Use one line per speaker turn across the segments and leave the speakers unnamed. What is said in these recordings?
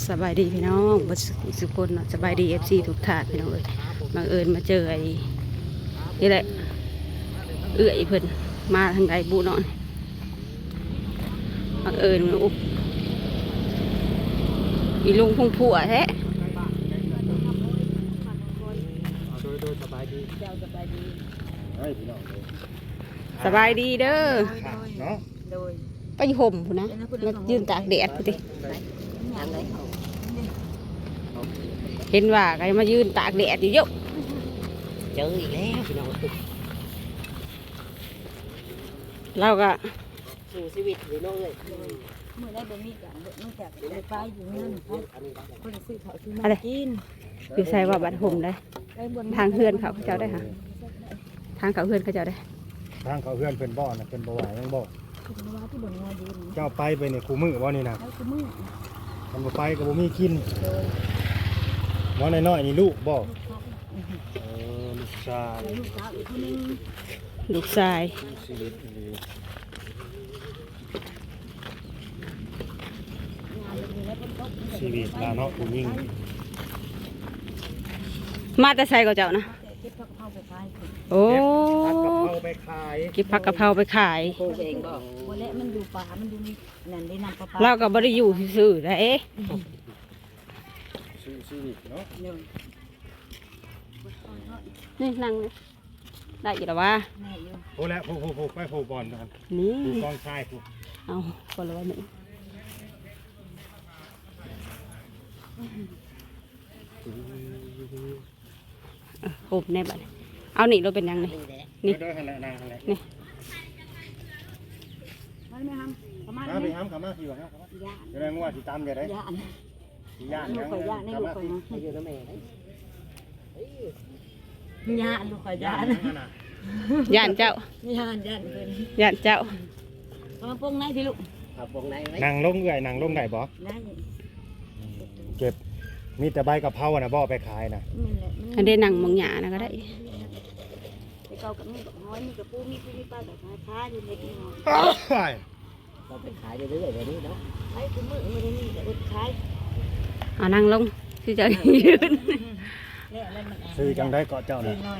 สบายดีพี่น้องบัดสุกคนเนาะสบายดีFCทุกท่านพี่น้องเอ้ยบังเอิญมาเจอไอ้นี่แหละเอื้อยเพิ่นมาทางใดบุเนาะบังเอิญอุ๊บอีลุงพงผัวแท้
สบายดี
สบายดีเด้อ
เนาะ
ไปห่มพุ่นนะมายืนตากแดดพุ่นติเห็นว่าใครมายืนตากแดดอยู่เยอะ
เจออีกแล้วพี่น้อง
เราก็
สู่ชีวิตพี่น้องเลย
เมื่อได้บะหมี่กันนอกจากไปไปอยู่นั่นไปคนซื้อเขาซื้อมา
อะไร
กิน
อยู่ใส่ว่าบัดห่มเลย
ได้บน
ทางเฮือนเขาเจ้าได้ค่ะทางเขาเฮือนเขาเจ้าได้
ทางเขาเพื่อนเป็นบ่อนะเป็นบ่อไหวยังบ่
คุณว่าที่บนงอยืน
เจ้าไปเนี่ยคู่มือบ่นี่นะ
แล้วคือมือ
มันบ่ไปก็บ่มีกิน
โดย
บ่น้อยๆนี่ลูกบ่ลูกชาย
ลูกสาวอีกคนนึง
ลูกชาย
ชีวิตดี
งานเลยแล้วคนตก
ชีวิตลาเนาะผู้หญิง
มาแต่ใส่กับเจ้านะ
เก็บผักเผาไปขาย
โอ้
ผัดกะเพราไปขาย
เก็บผักกะเพราไปขาย
ปลูกเองบ่
วันแล้วมันอยู่ป่ามันอยู่นั่นได้นำปลา
เราก็บ่ได้อยู่ซื่อๆได้เอ๊ะ
ชีวิตเนาะ
เนี่ย
นี่นั่งนี่ได้อยู่แล้ววะ
แม่อยู่
โอ้แล้วผู้ไปผู้บอลกัน
นี่
ผู้กองชายผู้
เอาคนละวันหนึ่งห่มในบัดนี้เอานี่เราเป็นยังไง นี่
เด้อหั่นแหละนางหั่นแหละ
มันไม่ทำประมาณ
มาไป
นี้
ห้ามกลับมาสิว่าครับ
ย่า
จะได้งัวสิตามจะได้
ย่า
สิย่าน
ลูกข่อยย่าในลูกข่อยนะ
ให้อยู่น้ำแม่ได้
ย่าลูกข่อยย่า
ย่านเจ้า
ย่าย่าเพิ่น
ย่านเจ้า
เอามาปงไหนพี่ลูก
เอาปงไหนไว้
นางลงเอื้อยนางลงได้บ่
ได้
เก็บมีแต่ใบกะเพราน่ะบ่ไปขายน่ะ
มันแหละมัน
อันเดนั่งมองหยานะก็ได้
ไปเกากับมีกับห้อยมีกับปูมีปูมีปลากับค้าอยู่ในกินหอย
เราไปขายเรื่อยๆแบบนี้เนาะ
ขายคือมือไม่ได้มีแต่อดขาย
เอานั่งลงที่เจะยืน
เนี่ยแล้วมัน
ซื้อจังได้เกาะเจ้า
ซื้
น่ะ
อ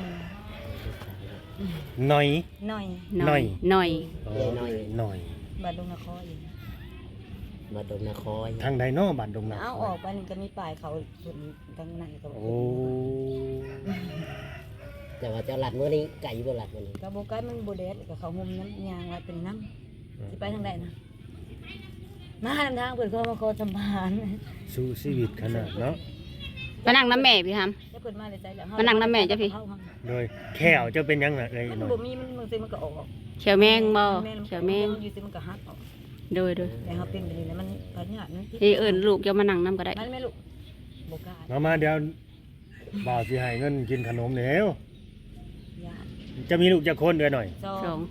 หน่อย
หน่อย
หน่อยหน่อย
หน่อย
บาดดงนครอีก
มาดมนาคอย
ทางใดเนาะบ้านดงนา
เอาออกไปนี่ก็มีปลายเขาส่วนทางนั้นก็บอก
โอ้
แต่ว่าเจ้าหลัดเมื่อนี้ไก่บ่หลัดเมื่อนี้
กระโบกไก่มันโบเดสกับเขาหุมน้ำยางว่าเป็นน้ำสิไปทางใดนะมาทางทางเปิดเขามาโคสัมภาระ
สู้ชีวิตขนาดเนาะ
มานั่งน้ำแม่พี่ท
แล้วเปิดมาเลยใจแล้ว
มานั่งน้ำแม่จ้ะพี่
โดยแขวจะเป็นยังไงเอ้ย
มัน
หน่อย
บ่มีมันซื้อมันก็ออก
ำเขียวแมงบ่เขียวแมง
อยู่ซื้อมันก็หักออก
โดย
แต่เขาเป็นแบบนี้แล้วมันปัญญามัน
ที่เอิญลูกจะมานั่งน้ำก็ได้
มันไม่ลูกโบกา
มาเดี๋ยวบ่าวสิให้เงินกินขนมแล้ว
ญาติ
จะมีลูกจะคนเดือนหน่อย
สองคน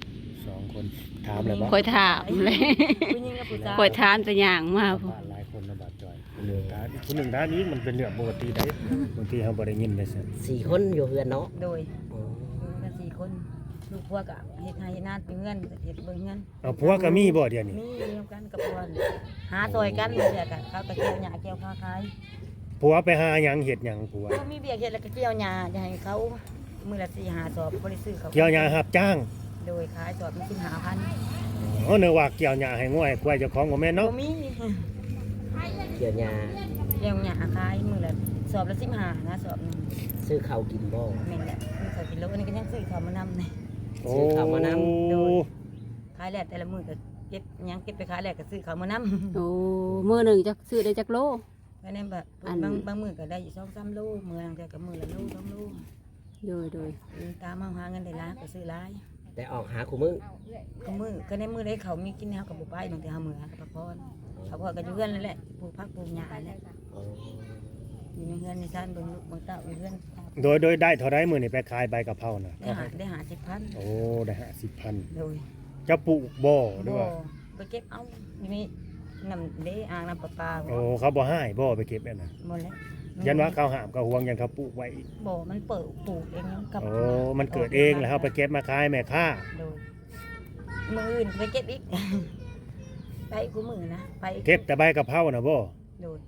2 คนถามเลยบ่
คอยถามเลย
ผู้หญิงกับผู้ชาย
คอยถามจะอย่างมา
บ้านหลายคนนะบาดจอยคนหนึ่งท่านนี้มันเป็นเรื่องปกติได้บางทีเราบ่ได้ยินได้ซั่น
4 คนอยู่เฮือนเนาะ
โดยกัน4 คนลูกพวกอะเฮ็ดให้เฮ็ดนาเป็นเงินเฮ็ดเบิ่งเงิน
เอาผัวก็มีบ่เดี๋ยวนี้
มีเดียวกันกับพวกหาซอยกันเดี๋ยวกันเขาก็เกี่ยวหญ้าเกี่ยวค้าขาย
ผัวไปหาหยังเฮ็ดหยังผัว
ก็มีเบียร์เฮ็ดแล้วก็เกี่ยวหญ้าจะให้เขามื้อละ4-5 สอบบ่ได้ซื้อเขา
เกี่ยวหญ้ารับจ้าง
โดยขายสอบมัน15,000
อ๋อเนื้อว่าเกี่ยวหญ้าให้ง่วยกล้วยเจ้าของบ่แม่น
บ่
เนาะ
มี
เกี่ยวหญ้า
เกี่ยวหญ้าขายมื้อละสอบละ15นะสอบหนึง
ซื้อข้าวกินบ่
แม่นแหละมีข้าวกินแล้วอันนี้ก็ยังซื้อข้าวมานำนี่
โอ้
ซื้อข้าวมานำ
โดย ขายแล้วแต่ละมื้อก็เก็บหยังเก็บไปขายแล้วก็ซื้อข้าวมานำ
โอ้มือหนึ่งจะซื้อได้จักโล
ไปในแบบ
อัน
บางมื้อก็ได้อยู่2-3 โลมื้อแต่ก็มื้อละโล2 โล
โดย
ตามมาหาเงินได้หลายก็ซื้อหลาย
แต่ออกหาคู่มือ
ก็มื้อก็ในมื้อได้เขามีกินแนวกับบ่ไปบางทีเฮามื้อกับพักผ่อนพักผ่อนก็อยู่เฮือนนั่นแหละปลูกผักปลูกหญ้าแหละ
อ๋อ
อยู่ในเฮือนในซ่านเบิ่งลูกเบิ่งเต้าอยู่เฮือน
โดยได้เท่าใดมื้อนี่ไปขายใบกะเพราน่ะ
ได้หา10,000
โอ้ได้50,000
โดย
จะปลูกบ่หรือ
บ่
ว่า
ไปเก็บเอาอยู่นี่น้ำเด้อ่างน้ำประปา
โอ้เขาบ่ให้บ่ไปเก็บนั่นน่ะ
หมดแล้ว
ยันว่าเขาห้ามเขาห่วงยันเขาปลูกไว้อีก
บ่มันเปิดปลูกเองกับ
โอ้มันเกิดเองแล้วเขาไปเก็บมาขายแม่ค้า
โดยมื้ออื่นไปเก็บอีก ไปกูมื้อนะไป
เก็บแต่ใบกะเพราน่ะบ่
โดย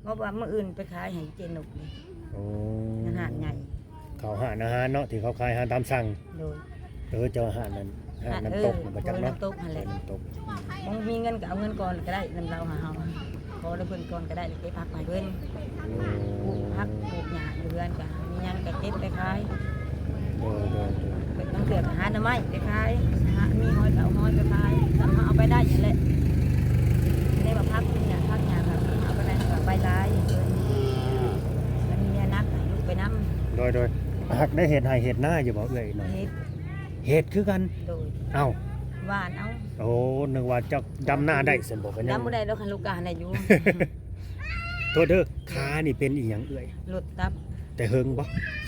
เพราะว่ามื้ออื่นไปขายให้เจนกนี่
โอ้
อาหารใหญ่
เขาหารอาหารเนาะที่เขาขายอาหารตามสั่ง
โดย
เจ้าอาหารนั้นอาหารน้ำตกน่ะบ่จักเนาะ
น้ำตกนั่นแหละ
น้ำตก
มึงมีเงินก็เอาเงินก่อนก็ได้นำเราหาเฮาขอได้เพิ่นก่อนก็ได้เก็บผักไปเพิ่นปลูกผักปลูกหญ้าอยู่เรือนก็มีหยังก็เก็บไปขาย
โดย
เป็นต้องเกิดหาหน่อไม้ไปขายหามีหอยก็เอาหอยไปขายทำเอาไปได้อย่างแหละได้ว่าผักเนี่ยผักหญ้าก็เอาไปได้ก็ไปหลายมันมีนักลูกไปนำ
โดยหักได้เห็ดให้เห็ดหน้าอยู่บ่เอ้ยหน่อย
เฮ็ด
เห็ดคือกัน
โดย
เอ้า
หวานเอา
โอ้นึกว่าเจ้าดำหน้าได้ซั่นบ่กันยัง
ดำบ่ได้ดอกคันลูกกาได้อยู่
โทษเด้อขานี่เป็นอีหยังเอ้ย
รถตับ
แต่เฮิงบ่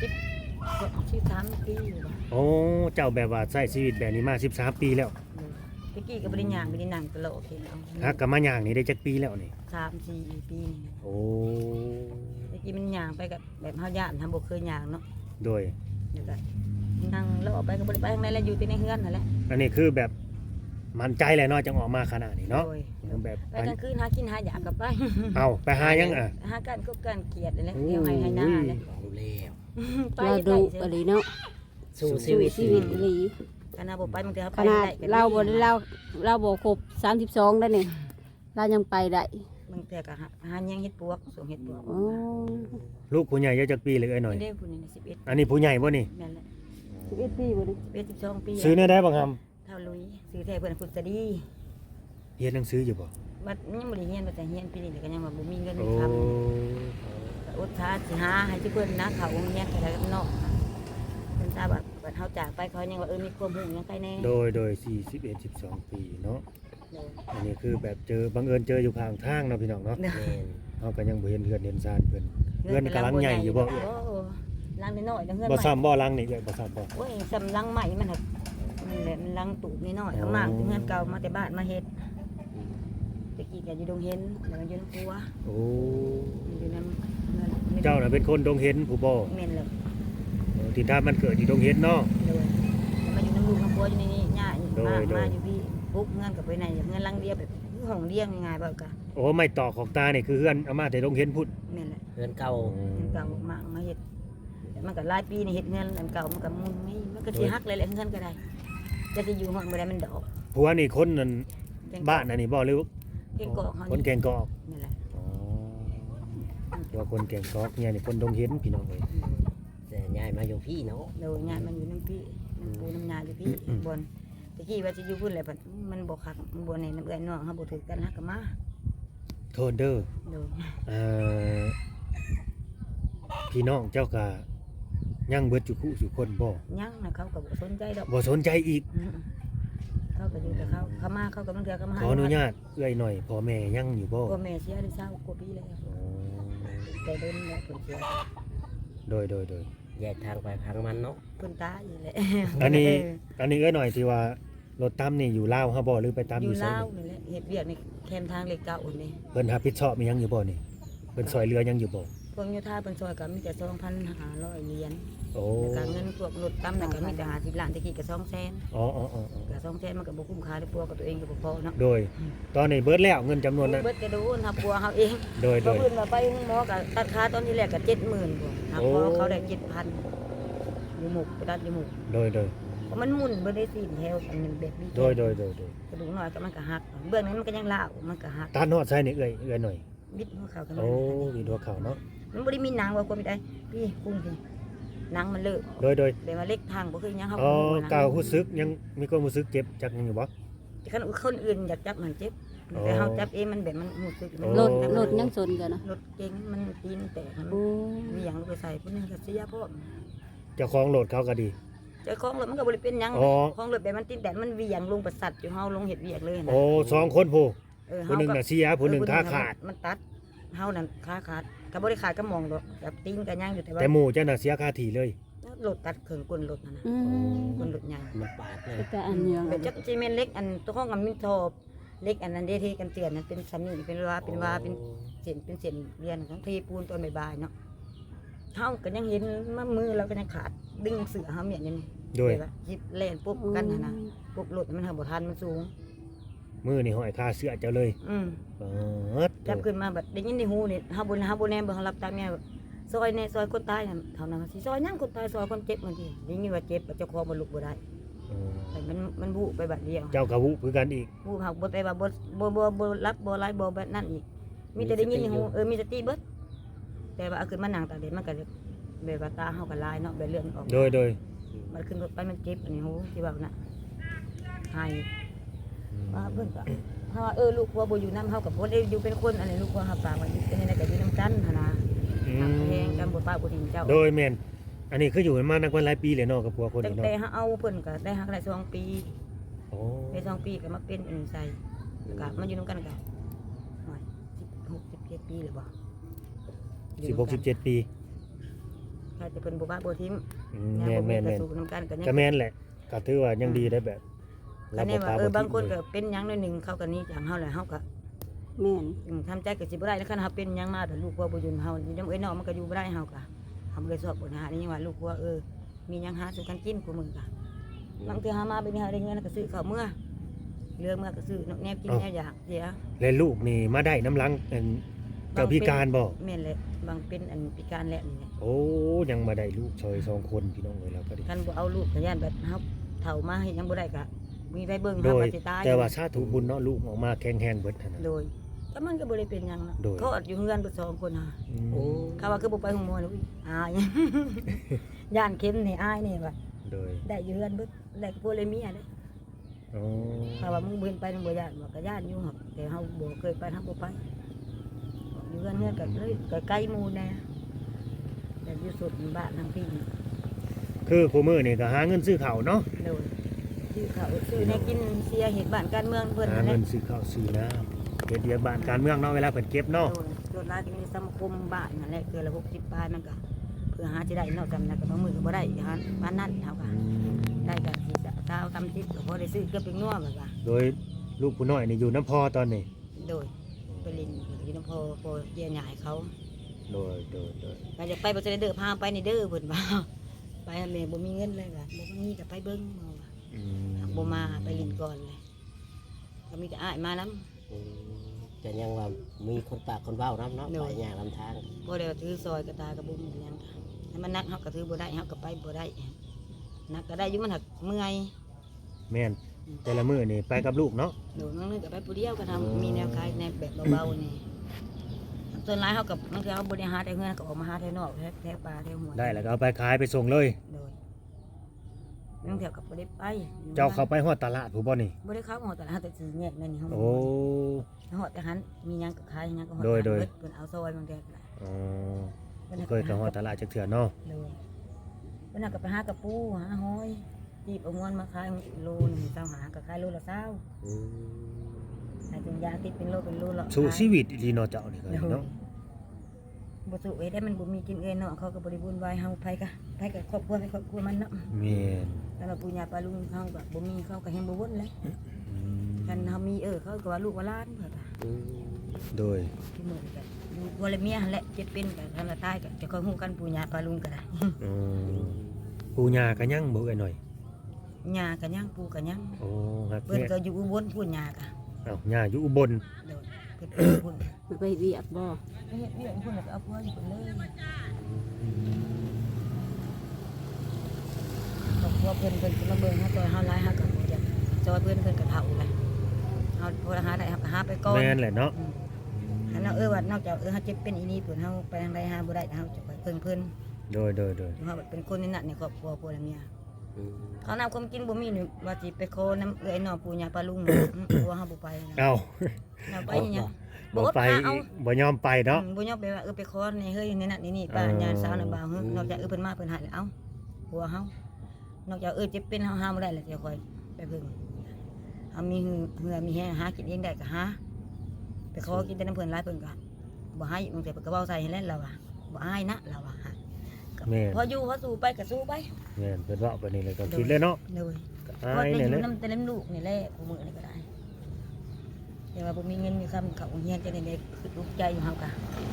13ปีอยู่บ่
โอ้เจ้าแบบว่าใช้ชีวิตแบบนี้มา13ปีแล้ว
ตะกี้ก็บ่ได้ย่างบ่ได้นั่งตลอดเอา
ฮักกับมาย่างนี่ได้จักปีแล้วนี่
3-4 ปีนี่
โอ้
ตะกี้มันย่างไปกับแบบเฮาย่านทำบ่เคยย่างเนาะ
โดย
แล้วก็นั่งแล้วออกไปก็บ่ได้ไปทางใดแล้วอยู่แต่ในเฮือนนั่นแหละ
อันนี้คือแบบมั่นใจเลยเนาะจังออกมาขนาดนี้เนาะ
โดย
แบบ
ไปกลางคืนหากินหาอยากกลับไป
เอาไปหายังอ่ะ
หาการกบการเกลียดอะไรเที่ยวให้หน้าเลย
เอาแล้ว
ไป
เรา
ได้
ดู
เสีย
อะไรเนาะ
สู้
ชีวิตอีหลี
คณะบ่ไปบางทีเขา
ข
ไป
นาด
ได้ก็ดี
เราบ่ได้เราบ่ครบ32ได้นี่เรายังไปได้
บางทีก็หายังเฮ็ดปวกส่งเฮ็ดปวก
โอ้
ลูกผู้ใหญ่เยอะจักปีเลยเอ้ยหน่อย
ไม่ได้ผู้นี้11
อันนี้ผู้ใหญ่บ่นี่
นั่นแหละ
11ปีบ่ดิ
11 12ปี
ซื้อได้บังค
เท่าลุยซื้อแท้เพิ่นพุทธดี
ำเรียนหนังสืออยู่บ่
บัดยังบ่ได้เรียนบ่แต่เรียนปีนี้ก็ยังว่าบ่มีเงินมี
โอ้
คำก็อดทาสิหาให้เพิ่นนะเขาโรงเรียนก็ได้กับน้องเพิ่นทราบว่าบัดเฮาจากไปเขายังว่ามีความรู้ยังใครแน่
โดย41 12ปีเนาะ
เด้อ
อันนี้คือแบบเจอบังเอิญเจออยู่ข้างทางเนาะพี่น้องเนาะ
เด้อ
แม่น
เฮาก็ยังบ่เห็นเฮือนเห็นซานเพิ่นเฮือนกำลังใหญ่อยู่บ่
โลังน้อยๆเด้อเฮือน
บ่
ใหม่
ซ้ำบ่ลังนี่เอ้ยบ่ซ้ำบ่
โอ้ยสำลังใหม่มันครับมันแหละมันลังตูบนิดหน่อยเอามากเงินเก่ามาแต่บ้านมาเฮ็ดตะกี้ก็อยู่ดงเห็นแล้วมันอยู่น้ำปัว
โอ้
อยู่น้ำเงิน
เจ้าน่ะเป็นคนดงเห็นผู้บ่
เมนเลย
ที่ถ้ามันเกิดอยู่ดงเห็นเนาะ
เลยมาอยู่น้ำลูกน้ำปัวอยู่ในนี้ย่า
โดย
มาอยู่พี่ปุ๊บเงินกับไปไหนเงินลังเดียวแบบห้องเดียงง่ายๆแบบกะ
โอ้ไม่ต่อของตานี่คือเฮือนเอามาแต่ดงเห็นพุ่น
เมนเลย
เพื่อนเก่า
เงินเก่ามาเฮ็ดมันก็หลายปีนี่เฮ็ดเงินอันเก่ามันก็มุนนี่มันก็สิฮักเลยแหละเงินก็ได้จะสิอยู่ห้องบ่ได้มันดอก
ผัวนี่คนนั้นบ้านอันนี้บ่หรือ
เก่งกอกเฮา
คนแกงกอก
นั่นแหละ
อ๋อว่าคนแกงกอกเนี่ยนี่คนดงเห็นพี่น้องเอ้ย
แต่ยายมาอยู่พี่เนาะ
โดยงานมันอยู่น้ำพี่น้ำปูน้ำยาอยู่พี่บนตะกี้ว่าจะอยู่พุ่นแหละมันบ่คักมันบ่ในน้ำเอื้อยน้องเฮาบ่ถือกันฮักก็มา
โทษเด้อ
โดย
เอ่อพี่น้องเจ้าก็ยังเบิดจุคุสุคนบ่
ยังนะเขาก็บ่สนใจดอก
บ่สนใจอีก
เขาก็อยู่แต่เขามาเขาก็บางเทื่อก็มา
ขออนุญาตเอื้อยหน่อยพ่อแม่ยังอยู่บ่
พ่อแม่เสียได้20กว่าปีแล้ว
อ๋อ
แต่เดินแล้วเพิ่นเสีย
โดย
แยกทางไปทางมันเนาะ
เพิ่นตายอีแหละ
อันนี้เอื้อยหน่อยที่ว่ารถตั้มนี่อยู่ลาวเฮาบ่หรือไปตาม
อ
อยู่ ยู่ไส
ลาวนี่แหละเฮ็ดเวียกในแคมป์ทางเหล็กเก่านี่
เพิ่นรับผิดชอบมีหยังอยู่บ่นี่เพิ่นซอยเรือยังอยู่บ่
พวกโยธาเพิ่นซอยก็มีแต่ 2,500 เหรียญ
โอ้
แล้วก็เงินพวกรถตั้มนั่นก็มีแต่50ล้านตะกี้ก็200,000
อ๋อ
ก็200,000มันก็บ่คุ้มค่าด้วยปัวกับตัวเองก็บ่พอเนาะ
โดย ตอนนี้เบิดแล้วเงินจำนวนนั้น
เบิดจะโดนทับปัวเขาเอง
โดย
เขาเพิ่นว่าไปหมอก็ตัดค่าตอนที่แรกก็70,000บ่ทับพอ
โอ้
เขาได้7,000อยู่หมกไปตัดอยู่หมก
โดย
เพราะมันหมุนบ่ได้สิ้นแถวอันนึงแบบนี้
โดย
กระดูกน้อยก็มันก็หักเบื้องนั้นมันก็ยังลาวมันก็หัก
ตานอดใส่นี่เอื้อยหน่อย
บิดหัวเข่ากัน
โอ้มีตัวเขาเนาะ
มันบ่ได้มีหนังว่าคนได้พี่กุ้งพี่หนังมันเลอะ
โดย
แบบว่าเล็กทางบ่คือหยังเฮา
อ๋อ
บ่นะ
กล่าวรู้สึกยังมีความรู้สึกเจ็บจักยังอยู่บ่
คันคนอื่นอยากจับมันเจ็บ
อ๋อ
แต่เฮาจับเองมันแบบมันรู้สึกมัน
โอ้
รถยังสนกันนะ
รถเก๋งมันตีนแตกมัน
โอ้
มีหยังลงไปใส่พุ่นนึงก็เสียพร้อม
เจ้าของโหลดเขาก็ดี
เจ้าของรถมันก็บ่ได้เป็นหยัง
อ๋อ
ของรถแบบมันตีนแตกมันเหวียงลงประสัตว์อยู่เฮาลงเฮ็ดเวียกเลยนะ
โอ้สองคนผู้
เฮา
ผู้หนึ่ง
ก็
น่ะเสียผู้หนึ่งขาขาด
มันตัดเฮานั่นขาขาดก็บ่ได้ขาดก็มองดอกแบบตีนก็ยังอยู่แต่ว่า
แต่หมู่เจ้าน่ะเสียคาทีเลย
รถตัดเครื่องกลรถนั่นน่ะ
อืม
กลรถใหญ่
มันปาดเลย
แต่อันเนียง
แบบจักซีเมนต์เล็กอันตัวห้องกับมินทอบเล็กอันนั้นเด้ที่กันเตือนนั้นเป็นซันนี่เป็นว่าเป็นเส้นเรียนของเทปูนตอนบ่ายๆเนาะเฮาก็ยังเห็นมือเราก็ยังขาดดึงเสือเฮาเมียนอยู่นี่
โดย
แบบว่าหยิบแล่นปุ๊บกันหั่นน่ะปุ๊บรถมันเฮาบ่ทันมันสูง
มือนี่ห้อยคาเสื้อเจ้าเลยเปิด
จับขึ้นมาแบบได้ยินในหูนี่เฮาบ่แน่เบิ่งเฮารับตามแม่แบบซอยในซอยคนตายน่ะเท่านั้นสิซอยหยังคนตายซอยคนเจ็บมันทีได้ยินว่าเจ็บเจ้าของบ่ลุกบ่ได้แต่มันบุไปบัดเดียว
เจ้ากะวุคือกันอีก
บุหักบ่ไปว่าบ่รับบ่ไล่บ่แบบนั้นอีกมีแต่ได้ยินในหูมีสติเบิดแต่ว่าเอาขึ้นมานั่งตาเด็ดมันก็แบบว่าตาเฮาก็ลายเนาะแบบเลือดออก
โดย
มันขึ้นรถไปมันเจ็บอันนี้หูที่ว่าน่ะให้ว่าเพิ่นก็เฮาว่าลูกผัวบ่อยู่นำเฮาก็บ่ได้อยู่เป็นคนอันนี้ลูกผัวเฮาฝากไว้เป็นในก็อยู่นำกันหั่นน่ะแฮงกันบ่ป้าบ่ทิ้งเจ้า
โดยแม่นอันนี้คืออยู่กันมานักวันหลายปีเลยเนาะกับผัวคน
ตั้
นี้
ง
เนาะ
แต่เฮาเอาเพิ่นก็ได้ฮักได้2 ปี
โอ้
ได้2 ปีก็มาเป็นอันนี้ใส่แล้วก็มาอยู่นำกันก็16 17 ปีหรือบ่
16 17 ปี
ถ้าจะเพิ่นบ่ว่าบ่ทิ่ม
แม่น
ก็สู้นำกันก็ยัง
ก็แม่นแหละก็ถือว่ายังดีได้แบบ
ก็แน่ว่าบางคนก็เป็นหยังหน่อยหนึงเขาก็หนี้จากเฮาแล้วเฮาก็
แม่น
ทำใจก็สิบ่ได้แล้วคันเฮาเป็นหยังมาแต่ลูกว่าบ่อยู่นำเฮาอยู่นำเอ้ยน้องมันก็อยู่บ่ได้เฮาก็เฮาบ่ได้สอบปัญหานี่ยังว่าลูกว่ามีหยังหาสู่กันกินกูมึงก็บางเทื่อหามาเป็นเฮาได้เงินก็ซื้อข้าวเมื่อเหลือเมื่อก็ซื้อแนบกินแนบอยากเสีย
และลูกนี่มาได้น้ำลังเจ้าพิการบ่
แม่นแหละบางเป็นอันพิการแหละนี่แหละ
โอ้ยังมาได้ลูกชอย2คนพี่น้องเอ้ยแล้วก็ดี
คันบ่เอาลูกก็ย่านแบบเฮาเฒ่ามาเฮ็ดหยังบ่ได้ก็มีไปเบิ่ง
โด
เฮาย ก็สิตาย
แต่ว่าสาธุบุญเนาะลูกออกมาแข็งแรงเบิดหั่นน่ะ
โดยก็มันก็บ่ได้เป็นหยังนะ
โดย
เขาอยู่เฮือนเบิด2คนน่ะ
โอ้
เขาว่าคือบ่ไปโรงหมอนี่อุ้ยอาย ย่านเข็มนี่อายนี่ว่า
โดย
ได้อยู่เฮือนเบิดได้กับพวกเลยเมียเด้
โอ้
เขาว่ามึงบ่เห็นไปมึงบ่ย่านว่าก็ย่านอยู่หรอกแต่เฮาบ่เคยไปเฮาบ่ไปอยู่เฮือนก็เลยก็ไกลหมู่แน่แต่อยู่สุดบ้านทางพี่
คือคู่มื้อนี่ก็หาเงินซื้อข้าวเนาะ
โดยชื่อเขาชื่อในกินเสียเหตุบ้านการเมืองเพิ่น
หา
นั่นแห
เงิ
ละ
นซื้อข้าวซื้อน้ำเฮ็ดเวียกบ้านการเมืองเนาะเวลาเพิ่นเก็บเนาะ
โดยรายก็มีสังคมบ้านนั่นแหละคือละ60ปลายมันก็เพื่อหาสิได้เนาะจำนั้นก็บางมื้อก็บ่ได้หาบ้านนั้นเฮาก็ได้ก็สิเช้าทำจิตก็พอได้ซื้อเกือบเป็นนัวแบบว่า
โดยลูกผู้น้อยนี่อยู่น้ำพอตอนนี้
โดยไปลินอยู่นำพอเยี่ยหยายเขา
โดย
ก็จะไปบ่จะได้เด้อพาไปนี่เด้อเพิ่นว่า ไปแม่บ่มีเงินเลยก็บ่มีก็ไปเบิ่งเอาว่า
อืม
บ่มาไปลินก่อนเลยก็มีแต่อ้ายมานำ
จะยังว่ามีคนปากคนเว้านํเนาะไปอย่างลำทาง
บ่ได้ว่าถือซอยกระตากระบุมหยังค่ะถ้ามันนักเฮาก็ถือบ่ได้เฮาก็ไปบ่ได้นักก็ได้อยู่มันหักเมื่อย
แม่นแต่ละมื้อนี่ไปกับลูกเนาะ
โดนบางนึงก็ไปผู้เดียวก็ทำมีแนวคล้ายในแบบเบาๆนี่ส่วนหลายเฮากับบางทีเฮาบ่ได้หาแต่เงินก็ออกมาหาแต่นอกแถวป่าแถวหัว
ได้แล้วก็เอาไปขายไปส่งเลย
โดยบางเที่ยวก็บ่ได้ไป
เจ้าเข้าไปฮอดตลาดผู้บ่นี่
บ่ได้เข้าหอดแต่หาแต่สิแยกนั่นนี่เฮา
โอ้
หอดแต่หันมีหยังก็ขายหยังก็หอด
โดย
เพิ่นเอาซอยบางเที่ยวก็ได้
อ๋อเคยกับฮอดตลาดจักเทื่อเนาะ
โดยเพิ่นเอาก็ไปหากระปูหาหอยจีบเอาเงินมาขายโลนึงเจ้าหาก็ขายโลละ20ให้ถึงยาติดเป็นโลละ
สู้ชีวิตอีหลีเนาะเจ้านี่ก็
โดย
เนาะ
บ่สู้เอ้ยได้มันบ่มีกินเอ้ยเนาะเขาก็บ่ได้บุญวายเฮาไผกับครอบครัวไปครอบครัวมันเนาะ
แม่น
แต่ว่าปู่ย่าป้าลุงเฮาก็บ่มีเขาก็แฮงบ่วนเลย
อืม
คันเฮามีเขาก็ว่าลูกว่าหลานเพิ่นก็
โดย
ที่มื้อนี้ก็อยู่บ่เลยเมียหั่นแหละเจ็บเป็นก็คันละตายก็จะค่อยฮู้กันปู่ย่าป้าลุงก็ได้
อ๋อปู่ย่าก็ยังบ่เอ้ยหน่อย
ย่าก็ยังปู่ก็ยัง
โอ้ครับ
เพิ่น
แม่
ก็อยู่อุบลปู่ย่าก็
อ้าวย่าอยู่อุบล
โดยเพิ่นเป็นพุ่น
มันไปเวียกบ่
เฮ็ดเวียกพุ่นแล้วก็เอาผัวอยู่พุ่นเลยครอบครัวเพิ่นก็มาเบิ่งเฮาซอยเฮาหลายเฮาก็บ่อยากซอยเพิ่นก็เฒ่าแล้วเฮาพอหาได้เฮาก็หาไปก่อน
แม่นแหละเนาะ
อันนั้นว่านอกจากเฮาเจ็บเป็นอีนี่เพิ่นเฮาไปทางใดหาบ่ได้เฮาจะไปเพิ่น
โดย
เฮาเป็นคนในนั้นในครอบครัวพวกเมียเขานำความกินบ่มีนี่ว่าสิไปขอน้ำเอื้อยน้องปู่ย่าป้าลุงตัวเฮาบ่ไปนะ
เอ้า
เฮาไปหยัง
บ่ไป
เอา
บ่ยอมไปเนาะ
บ่ยอมไปว่าไปขอในเฮ้ยในนั้นนี่ป้าญาติสาวน่ะบ่าวนอกจากเพิ่นมาเพิ่นให้แล้วเอ้าผัวเฮานอกจากเจ็บเป็นเฮาหาบ่ได้แล้วจะค่อยไปเพิ่งเฮามีเหือมีแฮงหากินเองได้ก็หาไปขอกินแต่น้ำเพิ่นหลายเพิ่นก็บ่ให้บางทีเพิ่นก็เว้าใส่ให้แล้วเราว่าบ่อายนะเราว่า
แม่น
พออยู่พอสู้ไปก็สู้ไป
แม่นเพิ่นเว้าไปนี่เลยก็คิดเลยเนาะ
เลย
ก็
เพ
อา
ราะ
ย
ได้
เนี่ย
อ
แห
ยู่
ละ
น้ำแต่เล่มลูกนี่แหละผู้มือนี่ก็ได้แต่ว่าบ่มีเงินมีคำเขาเฮียนจะได้คือลูกใจอยู่เฮากะ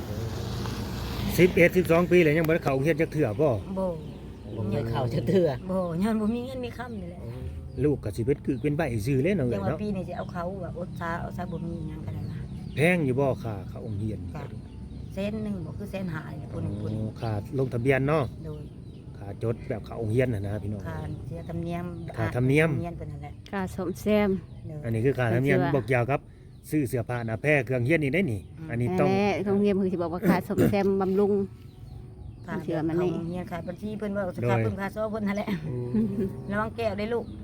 11 12ปีแล้วยังบ่ได้เข้าโรงเรียนจักเทื่อบ่
บ่
ผมยังเข้าจะเถื่อ
บ่ย้อนบ่มีเงินมีคำนี่แหละ
ลูกก็สิเป็นใบซื่อเลยเนาะ
จั
เอ้
ง
ย
ว่า
เนาะ
ปีนี้สิเอาเขาว่าอดซาเอาซาบ่มีหยังก็ได้ว่า
แพงอยู่บ่ค่าเขาโรงเรียนนี่
ก็
ก็ดู
เส้นหนึงบ่คือเส้นหายเนี่ยพุ่น
ค่าลงทะเบียนเนาะ
โดย
ค่าจดแบบเขาโรงเรียนน่ะนะพี่น้อง
ค่าเสียธรรมเนียม
ค่าธรรมเนียม
เพิ่นนั่นแหละ
ค่าสมแซม
โดย
อันนี้คือค่าธรรมเนียมบอกยาวครับซื้อเสื้อผ้าหน้าแพร่เครื่องเฮียนนี่ได้นี่ อันนี้ต้อง
แน่โรงเรียนเพิ่นสิบอกว่าค่าสมแซมบำรุง
ค่า
เชื่อมันนี่
เฮียนค่าบัญชีเพิ่นว่าสค่าเพิ่นค่าซอเพิ่นนั่นแหละระวังแก้วได้ลูก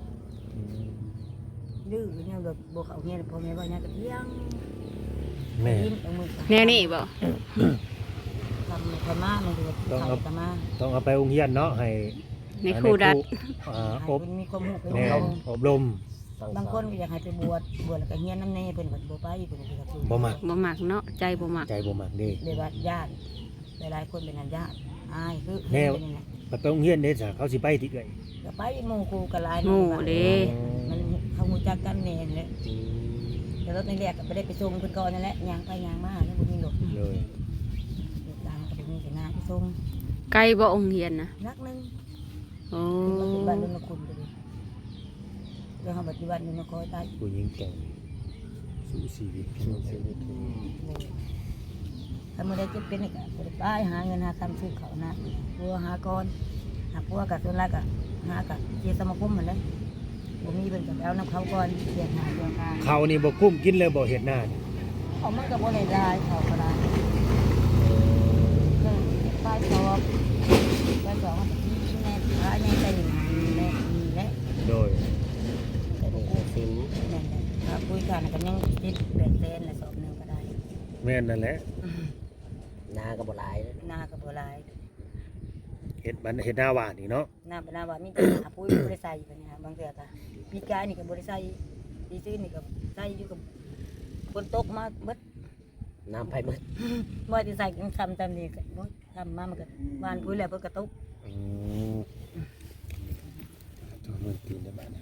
ดื้อเนี่ยบ่เข้าเฮียนพ่อแม่ว่าหยังก็เที่ยง
แม่
ยิ้มเอามือ
แนวนี้บ่
ทำธรรมะมันคือเขาธรรมะ
ต้องเอาไปโรงเรียนเนาะให้
ในครูดัด
อบ
ให้เพิ่นมีความรู้
แน่อบรม
บางคนก็อยากให้ไปบวชแล้วก็เฮียนนำแน่เพิ่นก็บ่ไปเพิ่นก็คือ
บ่มัก
บ่มักเนาะใจบ่มัก
ใจบ่มักเด้
เลยว่าญาติหลายๆคนเป็นญาติอายคือ
แน่
นี่นะ
ไปโรงเรียนเด้จ้ะเขาสิไปติเอ้ย
ก็ไปหมู่ครูก็หลาย
หมู่เด้
มันเขารู้จักกันแน่แหละแต่รถในแรกก็บ่ได้ไปส่งเพิ่นก่อนนั่นแหละย่างไปย่างมาแล้วบ่มีรถ
เลย
ตามก็บ่มีแต่งานไปส่ง
ไกลบ่องค์เรียนนะ
นักนึง
โอ้
ขึ้นมาเป็นบ้านรุ่นคุณไปเลยเรื่องปฏิบัตินี่มาคอยตาย
ผู้หญิงแต่งสู้ชีวิต
ถ้าไม่ได้เจ็บเป็นนี่ก็บ่ได้ไปหาเงินหาคำซื้อเขาวนะพัวหาก่อนหาพัวกับส่วนแรกก็หากับเจียสมาคมเหมือนเลยผมมีเป็นกับเอาน้ำเขาก่อนเสียหาเรื่องหา
เขานี่บ่กุ้มกินเลยบ่เฮ็ดหน้านี่
เขามันก็บ่ได้ลายเขาก็ได้ก็ป้ายสอบมันก็ที่แน่หาแน่ใจหนึ่งแน่มีแน่
โดย
แต่บ่กู้สิวแน่ๆถ้าคุยกันก็ยังติดแบกเส้นละสอบหนึงก็ได้
แม่นนั่นแหละ
นาก็บ่หลาย
หน้าก็บ่หลาย
เฮ็ดหน้าหวานนี่เนาะ
หน้าเป็นหน้าว่ามีแต่หาปุ๋ยบ่ได้ใส่แบบนี้บางเทื่อก็ปีกายนี่ก็บ่ได้ใส่ปีซื้อนี่ก็ใส่อยู่กับฝนตกมาเบิด
น้ำไผหมด
บ่ได้ใส่กันทำตามนี้ก็บ่ทำมามันก็หวานปุ๋ยแล้วเพิ่นก็ตก
อืมตัวมันตีนได้บ้านเนี่ย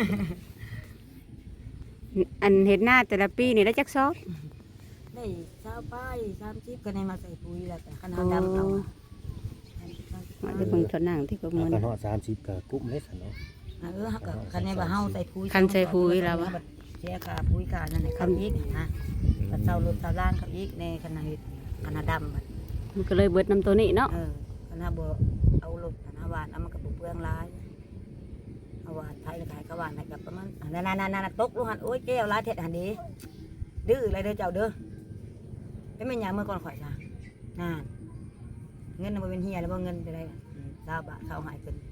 อันเฮ็ดหน้าแต่ละปีนี่ได้จักซอก
ได้20ป้าย30ก็ได้มาใส่ปุ๋ยแล้วก็คันเฮาดำเอา
ว่าจะเบิ่งเท่านั้นที่ก็
เอา
มื้อ
กัน
นะ
ฮอด30ก็กุ้มเลยซั่นเนาะ
เฮาก็คันแม่ว่าเฮาใส่ปุ๋ย
คันใส่ปุ๋ยแล้ววะ
เสียค่าปุ๋ยค่านั่นน่ะเขาอีกนะก็เซารถเซาล้านเขาอีกในขณะเฮ็ดขณะดำบัด
มันก็เลยเบิดน้ำตัวนี้เนาะ
คณะบ่เอารถคณะหวานเอามันก็บ่เปลืองหลายเอาหวานไทยขายก็หวานให้กับประมาณนั่นๆๆตกลูกหันโอ้ยแก้วหลายเท็ดหันดีดื้ออะไรเด้อเจ้าเด้อเป็นแม่นหยังเมื่อก่อนข่อยซะนั่นเงินน่ะบ่เป็นเฮียแล้วบ่เงินไปได้20 บาทเขาหายเพิ่น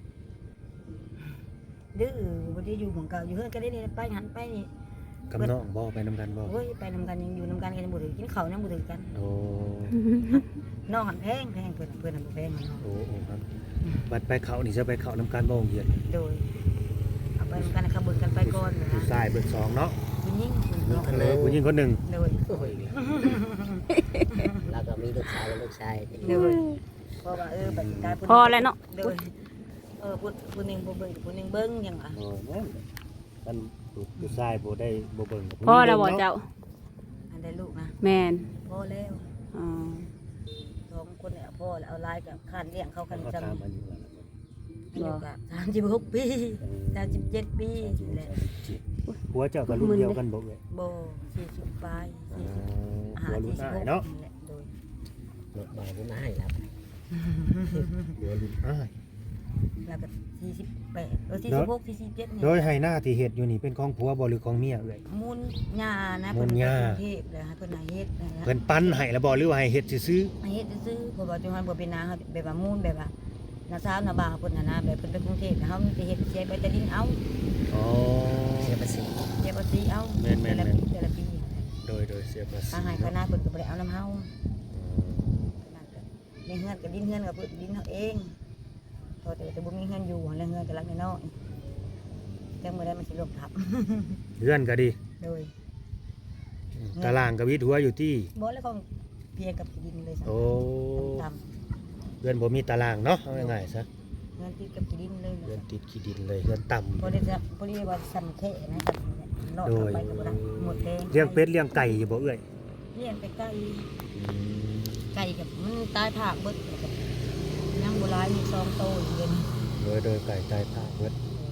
ดื้อบ่ได้อยู่ของเก่าอยู่เฮือนก็ได้นี่ไปหันไปนี่
กับน้องบ่ไปนำกันบ่
โอ้ยไปนำกันยังอยู่นำกันกันบ่ถือกินข้าวยังบ่ถือกัน
โอ้
น้องหันแพงเพิ่นน่ะบ่แพงน้อง
โอ้ครับบัดไปเขานี่จะไปเขานำกันบ่โรงเรียน
โดยเอาไปนำกันนะครับเบิ่งกันไปก่อนนะ
ผู้ชายเบิดสองเนาะ
ผู้หญิงเพิ่นเนาะ
ผู้หญิงคนหนึ่ง
โดย
โอ้ยแล้วก็มีลูกชายและลูกชาย
โดยเพราะว่าบัดกาย
พอแล้วเนาะ
โดยผู้หนึงบ่เบิ่งผู้หนึงเบิ่งหยังอ่ะ
โอ้แม่นมันผู้ชายบ่ได้บ่เบิ่งกับผู้หญิง
พอแล้วบ่เจ้า
อันได้ลูกนะ
แม่น
พอแล้ว
อ๋อ
2คนเนี่ยพอแล้วเอาหลายกับคานเลี้ยงเขากัน
เขา
จำ
ตามอายุแล้ว
อายุก็36 ปี37 ปีแหละ
หัวเจ้าก็รุ่นเดียวกันบ่เอ้ย
บ่40ปลาย40
หัวรุ่นอ้ายเนาะ
โดย
รถมาที่มาให้รับ
หัวรุ่นอ้าย
แล้วก็48 46 47นี่
โดยให้หน้าที่เฮ็ดอยู่นี่เป็นของผัวบ่หรือของเมียเอ้ย
มูลหญ้านะ
มูลหญ้า
เพิ่นไปกรุงเทพเลยให้เพิ่นให้เฮ็ดนะ
เพิ่นปั้นให้แล้วบ่หรือว่าให้เฮ็ดซื่อ
ให้เฮ็ดซื่อๆเพราะว่าจังหวัดบ่เป็นนาเฮาแบบว่ามูลแบบว่านาสาวนาบ่าวเพิ่นน่ะนะแบบเพิ่นไปกรุงเทพนะเฮามีแต่เฮ็ดเสียไปแต่ดินเอา
ๆอ๋อ
เสียภาษี
เสียภาษีเอา
แม่นๆๆ
แต่ละปี
โดยเสียภาษี
ถ้าให้คณะเพิ่นก็บ่ได้เอานํเฮาในเฮือนก็ดินเฮือนก็เพิ่นดินเฮาเองพอแต่บ่มีเฮือนอยู่แล้วเฮือนก็หลังน้อยๆจังบ่ได้มันสิล่มทับ
เฮือนก็ดี
โดย
ตารางก็วิดหัวอยู่ที่
บ่แล้วของเพียงกับที่ดินเลยซั่น
โอ้
ต่ำ
เฮือนบ่มีตารางเนาะเอาง่ายๆซะ
เงินติดกับที่ดินเลย
เฮือนติดขี้ดินเลยเฮือนต่ำ
พอได้จะพอได้ว่าสั่นแค่นะครับนอกไปก็บ่ได้หมดแดง
เลี้ยงเป็ดเลี้ยงไก่อยู่บ่เอ้ย
เลี้ยงไปไก่กับมันตายผากเบิดยังบ่หลายมี2โตอยู่เดี๋ยวนี้
โดยไก่ตายภาคเบิด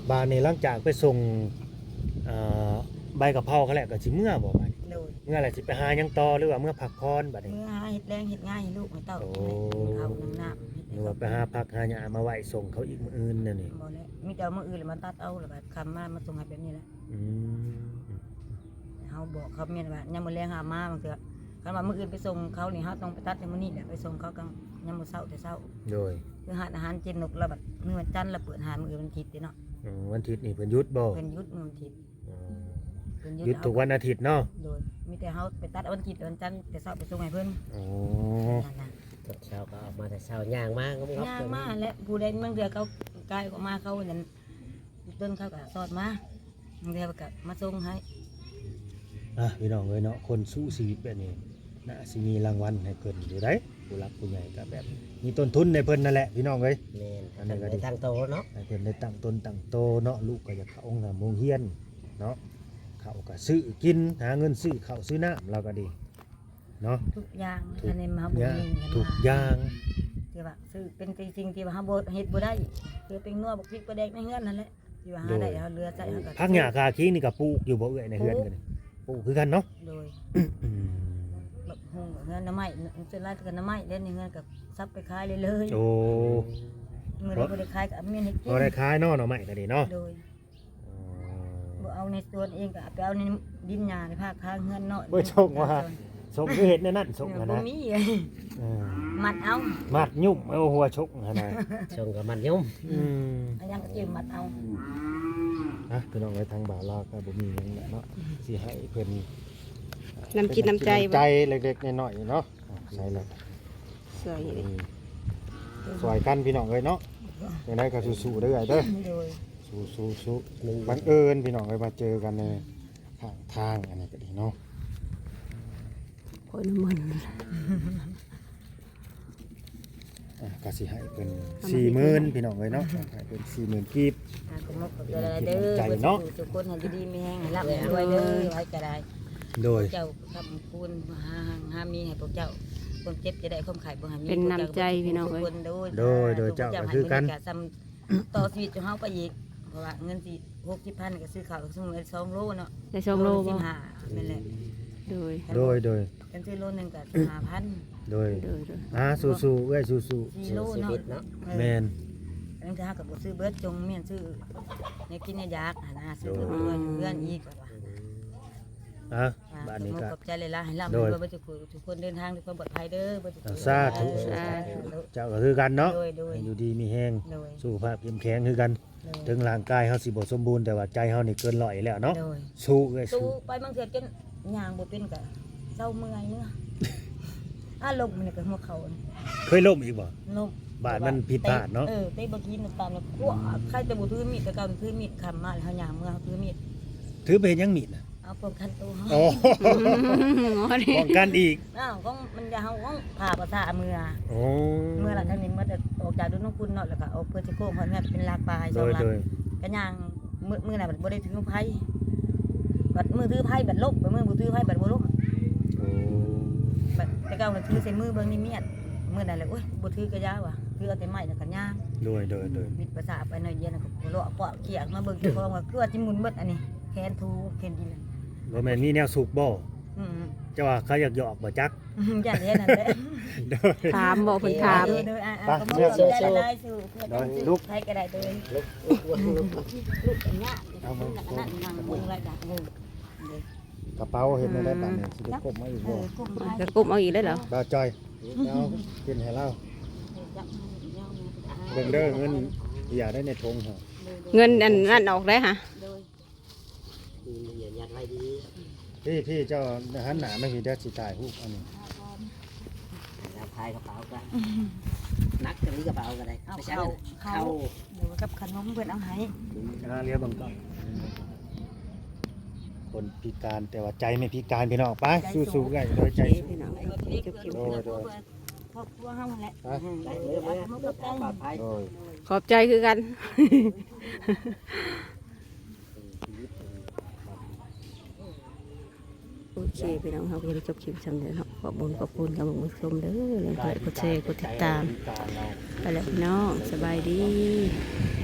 บานนี้หลังจากไปส่งใบกะเพราเขาแหละก็สิเมื่อบ่บัด
โดย
เมื่อไหร่สิไปหาหยังต่อหรือว่าเมื่อพักผ่อนบัดนี้
เมื่อหาเฮ็ดแรงเฮ็ดง่ายให้ลูกให้เต้า
โอ้
เขาน้ำเฮ็ด
หรือว่าไปหาพักหาหยังมาไว้ส่งเขาอีกมื้ออื่นนั่นนี่
บ่แล้วมีแต่เอามื้ออื่นแล้วมาตัดเอาแล้วก็คำมาส่งให้แบบนี้แหละ
อืม
เฮาบอกเขาแม่นว่ายามมื้อแลงหามาบางเทื่อคันว่ามื้ออื่นไปส่งเขานี่เฮาต้องไปตัดในมื้อนี้แหละไปส่งเขากลางยามมื้อเช้าแต่เช้า
โดย
คือหาอาหารเจนนกแล้วบัดมื้อวันจันทร์แล้วเปิดหามื้ออื่นวันอาทิตย์ติเนาะ
วันอาทิตย์นี่เพิ่นหยุดบ่
เพิ่นหยุดมื้อวันอาทิตย์
อืม
เพิ่น
หยุดทุกวันอาทิตย์เนาะ
โดยมีแต่เฮาไปตัดวันอาทิตย์วันจันทร์แต่เช้าไปส่งให้เพิ่น
โอ้
นั่นน่ะ
ตอนเช้าก็ออกมาแต่เช้าย่างมากก็งับ
ย่างมาและผู้ใดบางเดือเขากายออกมาเขานั่นต้นเขาก็สอดมาบางเดือก็มาส่งให้
พี่น้องเอ้ยเนาะคนสู้ชีวิตแบบนี้น่าสิมีรางวัลให้เพิ่นอยู่ได้ผู้รักผู้ใหญ่ก็แบบมีต้นทุนในเพิ่นนั่นแหละพี่น้องเอ้ย
แม่นอันนั้นก็ได้ทางโตเนาะ
ให้เพิ่นได้ตั้งตนตั้งโตเนาะลูกก็อยากเข้าองค์โรงเรียนเนาะเขาก็ซื้อกินหาเงินซื้อข้าวซื้อน้ำเราก็ดีเนาะ
ทุกอย่าง
ทุก
อันนี้มาบ่
อย่าง
มีเงิน
ทุกอย่าง
ที่ว่าซื้อเป็นจริงที่ว่าเฮาบ่เฮ็ดบ่ได้คือเป็นนัวบักพริกปลาแดกในเฮือนนั่นแหละที่ว่าหาได้เฮาเรือใส่เฮาก็
พักหญ้าคาคิงนี่ก็ปลูกอยู่บ่เอื้อยในเฮือนกันนี่ปลูกคือกันเนาะ
โดย
อืม
แบบหุงเฮือนน้ำไม้ส่วนหลายก็น้ำไม้เล่นในเฮือนก็ซับไปขายเลยเลย
โอ้
มื้อใดบ่ได้ขายก็เอาเมียนให้กิน
บ่ได้ขายเนาะหน่อไม้ก็ดีเนาะ
โดยบ่เอาในสวนเองก็เอาไปเอาในดินหญ้าในภาคข้างเฮือนเนาะ
บ่ชงว่าชงคือเฮ็ดในนั้นชง
บ่
นะ
มี
เออ
มัดเอา
มัดยุ่มเอาหัวชกหั่นน่ะ
ชงกับมันยุ่ม
อืม
อันยังก็เตรียมมัดเอา
พี่น้องไว้ทางบ่าวลาวก็บ่มีหยังเนาะสิให้เพิ่น
น้ำจิตน้ำใจ
ใจเล็กๆน้อยๆเนาะใช่แล้ว
สวยเลย
สวยกันพี่น้องเอ้ยเนาะอย่างไรก็สู้ๆเด้อเด้อ
โดย
สู้ๆบังเอิญพี่น้องเอ้ยมาเจอกันในข้างทางอันนี้ก็ดีเนาะ
โอ้ยน้ำมัน
ก็สิให้เป็น 40,000พี่น้องเอ้ยเนาะให้เป็น 40,000กีบ
ก็มกกับเด้อเด้อ
ใจเนาะ
ทุกคนให้ดีๆมีแฮงให้ร่ำให้รวยเด้อไว้ก็ได้
โดย
เจ้าทำคุณหามีให้พวกเจ้าคนเจ็บจะได้ความขายบ่ให้มี
เป็นน้ำใจพี่น้อง
ทุก
เอ้ย
คน
โดยเจ้าก็คือกัน
ซ้ำต่อชีวิตของเฮาไปอีกเพราะว่าเงินสิ60,000ก็ซื้อข้าวสมมุติ2โลเนาะ
ได้2โลบ่
15นั่นแหละ
โดย
โดย
กันซื้อโลนึงก็15,000
โดย
โดย
สู้ๆเอ้ยสู้
4โล
ชี
เนาะ
วิตเนาะ
ๆแม่น
อันนั้นก็หากับบ่ซื้อเบิดจงเมียนซื้อเนี่ยกินเนี่ยยากหาหน้าซื้อเพื่อนอีกว่า
บ้านนี้ก็
ขอบใจเลยล่ะให้ร่ำ
โด
ให้
ย
รวยบ่จุกทุกคนเดินทางด้วยความปลอดภัยเด้อบ่จุก
สาธุเจ้าก็คือกันเนาะ
โดย
ให้อยู่ดีมีแฮง
โดย
สุขภาพเข้มแข็งคือกัน ถึงร่างกายเฮาสิบ่สมบูรณ์แต่ว่าใจเฮานี่เกินร้อยแล้วเนาะ
โดย
สู้เอ้ย
สู้
สู้
ไปบางเทื่อจนย่างบ่เป็นก็เศร้าเมื่อยเนื้ออารมณ์มันก็หัวเข่า
เคยล้มอีกบ่
ลม
บาดมันผิดพลาดเนาะ
เตะบ่กินตามแล้วกลัวใครจะบ่ถือมีดแต่เก่าถือมีดคำมาแล้วเฮาย่างเมื่อเฮาถือมีด
ถือไปเฮ็ดหยังมีดน่ะ
เอาป้องกันตัวเฮา
โอ้
หมอนี่
ป้องกันอีก
อ้าวก็มันจะเฮาต้องผ่าประสาเมื่อ
โอ้
เมื่อหลังจากนี้เมื่อจะออกจากดุนคุณเนาะแล้วก็เอาเพื่อจะโค้งเพราะเนี่ยเป็นลากปลายส
โด
อง
ย
ลัก
โดย
ก็ย่างมือน่ะบัดบ่ได้ถือไผบัดมือถือไผบัดลบบัดมือบ่ถือไผบัดบ่ลบ
โอ้
บัดแต่เก่าน่ะถือใส่มือเบิ่งนี่เมียดมือนั่นแหละโอ้ยบ่ถือกระยาว่ะถือเอาแต่ไม้แล้วก็ย่าง
โดย
มิดประสาไปหน่อยเดียวน่ะก็บ่เลาะเปาะเกียกมาเบิ่งเจ้าของว่าคือว่าสิหมุนเบิดอันนี้แขนทูแขนดินน่ะ
บ่แม่นมีแนวสุกบ่
อืม
เจ้าว่าเขาอยากหยอกบ่จัก
อย่าเฮ็ดนั่นแหละ
โดย
ถามบอกเพิ่นถาม
โดยก็บ่ได้หลายสู้เพื่อกันลูกใครก็ได้ตัวเอง ลูกอันเนี้ยนั่นนั่งมึงไรดักมึง
กระเป๋าเห็นได้ปานนี้สิได้กบมาอีกบ่
กุ้งไ
จะกุมเอาอีกได้เหรอ
บ่าวจอยเอากินให้เราเบิ่งเด้อเงินอย่าได้ในธงเหรอ
เงินอันนั่นออกได้ฮะ
อย่ายัดไว้ดี
พี่เจ้าหันหน้ามาพี่เด้อสิถ่ายรูปอันนี้
แล้วพายกระเป๋าก็นักจะมีกระเป๋าก็ได้ไม่ใช่เข้า
เดี๋ยวกับขนมเพื่อนเอาให้
เรียกเบิ่งก่อนคนพิการแต่ว่าใจไม่พิการพี่น้องไปสู้ๆกันโดยใจสู้
พี่น้อง
ครอบครัวห้ามแหละ
ได้เลยปลอดภัย
โดย
ขอบใจคือกัน โอเคพี่น้องเราก็จะจบคลิปสำเร็จเนาะขอบคุณกับผู้ชมเด้อเรื่องกดแชร์กดติดตาม
พิการเรา
ไปแล้วพี่น้องสบายดี